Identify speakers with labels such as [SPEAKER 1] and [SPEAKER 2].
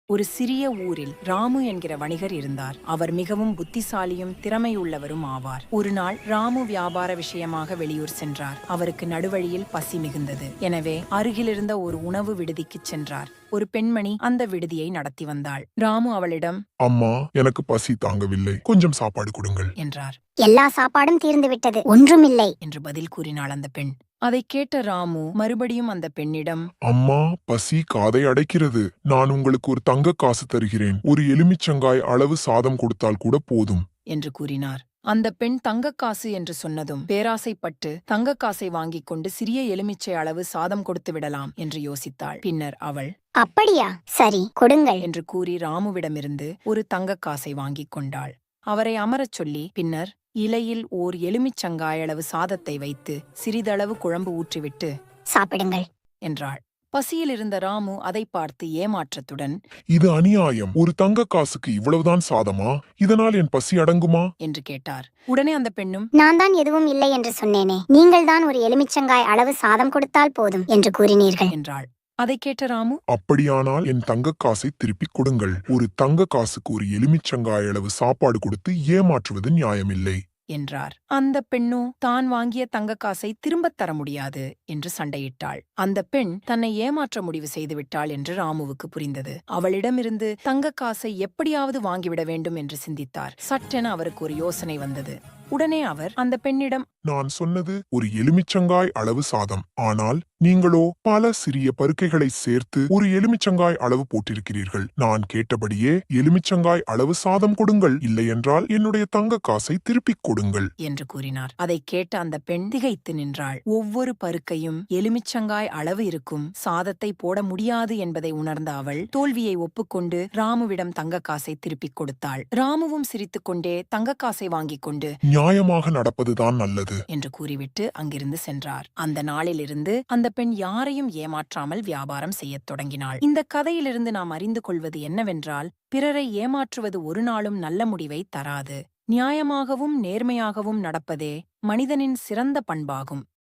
[SPEAKER 1] ஒரு சிறிய ஊரில் ராமு என்கிற வணிகர் இருந்தார். அவர் மிகவும் புத்திசாலியும் திறமையுள்ளவரும் ஆவார். ஒரு நாள் ராமு வியாபார விஷயமாக வெளியூர் சென்றார். அவருக்கு நடுவழியில் பசி மிகுந்தது. எனவே அருகிலிருந்த ஒரு உணவு விடுதிக்குச் சென்றார். ஒரு பெண்மணி அந்த விடுதியை நடத்தி வந்தாள். ராமு அவளிடம்,
[SPEAKER 2] அம்மா, எனக்கு பசி தாங்கவில்லை, கொஞ்சம் சாப்பாடு கொடுங்கள்
[SPEAKER 1] என்றார்.
[SPEAKER 3] எல்லா சாப்பாடும் தீர்ந்துவிட்டது, ஒன்றுமில்லை
[SPEAKER 1] என்று பதில் கூறினாள் அந்த பெண். அதைக் கேட்ட ராமு மறுபடியும் அந்த பெண்ணிடம்,
[SPEAKER 2] அம்மா, பசி காதை அடைக்கிறது. நான் உங்களுக்கு ஒரு தங்க காசு தருகிறேன். ஒரு எலுமிச்சங்காய் அளவு சாதம் கொடுத்தால் கூட போதும்
[SPEAKER 1] என்று கூறினார். அந்த பெண் தங்கக்காசு என்று சொன்னதும் பேராசைப்பட்டு தங்கக்காசை வாங்கிக் கொண்டு சிறிய எலுமிச்சை அளவு சாதம் கொடுத்து விடலாம் என்று யோசித்தாள். பின்னர் அவள்,
[SPEAKER 3] அப்படியா, சரி கொடுங்கள்
[SPEAKER 1] என்று கூறி ராமுவிடமிருந்து ஒரு தங்கக்காசை வாங்கிக் கொண்டாள். அவரை அமரச் சொல்லி பின்னர் இலையில் ஓர் எலுமிச்சங்காயளவு சாதத்தை வைத்து சிறிதளவு குழம்பு ஊற்றிவிட்டு
[SPEAKER 3] சாப்பிடுங்கள்
[SPEAKER 1] என்றாள். பசியில் இருந்த ராமு அதை பார்த்து ஏமாற்றத்துடன்,
[SPEAKER 2] இது அநியாயம். ஒரு தங்க காசுக்கு இவ்வளவுதான் சாதமா? இதனால் என் பசி அடங்குமா
[SPEAKER 1] என்று கேட்டார். உடனே அந்த பெண்ணும்,
[SPEAKER 3] நான் தான் எதுவும் இல்லை என்று சொன்னேனே, நீங்கள் தான் ஒரு எலுமிச்சங்காய் அளவு சாதம் கொடுத்தால் போதும் என்று கூறினீர்கள்
[SPEAKER 1] என்றாள். அதைக் கேட்ட ராமு,
[SPEAKER 2] அப்படியானால் என் தங்க காசை திருப்பிக் கொடுங்கள். ஒரு தங்க காசுக்கு ஒரு எலுமிச்சங்காய் அளவு சாப்பாடு கொடுத்து ஏமாற்றுவது நியாயமில்லை
[SPEAKER 1] என்றார். அந்த பெண்ணோ தான் வாங்கிய தங்கக்காசை திரும்பத் தர முடியாது என்று சண்டையிட்டாள். அந்த பெண் தன்னை ஏமாற்ற முடிவு செய்துவிட்டாள் என்று ராமுவுக்கு புரிந்தது. அவளிடமிருந்து தங்கக்காசை எப்படியாவது வாங்கிவிட வேண்டும் என்று சிந்தித்தார். சட்டென அவருக்கு ஒரு யோசனை வந்தது. உடனே அவர் அந்த பெண்ணிடம்,
[SPEAKER 2] நான் சொன்னது ஒரு எலுமிச்சங்காய் அளவு சாதம். ஆனால் நீங்களோ பல சிறிய பருக்கைகளை சேர்த்து ஒரு எலுமிச்சங்காய் அளவு போட்டிருக்கிறீர்கள். நான் கேட்டபடியே எலுமிச்சங்காய் அளவு சாதம் கொடுங்கள், இல்லையென்றால் என்னுடைய தங்க காசை திருப்பிக் கொடுங்கள்
[SPEAKER 1] என்று கூறினார். அதைக் கேட்ட அந்த பெண் திகைத்து நின்றாள். ஒவ்வொரு பருக்கையும் எலுமிச்சங்காய் அளவு இருக்கும் சாதத்தை போட முடியாது என்பதை உணர்ந்த அவள் தோல்வியை ஒப்புக்கொண்டு ராமுவிடம் தங்கக்காசை திருப்பிக் கொடுத்தாள். ராமுவும் சிரித்துக்கொண்டே தங்கக்காசை வாங்கிக் கொண்டு
[SPEAKER 2] நியாயமாக நடப்பதுதான் நல்லது
[SPEAKER 1] என்று கூறிவிட்டு அங்கிருந்து சென்றார். அந்த நாளிலிருந்து அந்த பெண் யாரையும் ஏமாற்றாமல் வியாபாரம் செய்யத் தொடங்கினாள். இந்த கதையிலிருந்து நாம் அறிந்து கொள்வது என்னவென்றால், பிறரை ஏமாற்றுவது ஒரு நாளும் நல்ல முடிவை தராது. நியாயமாகவும் நேர்மையாகவும் நடப்பதே மனிதனின் சிறந்த பண்பாகும்.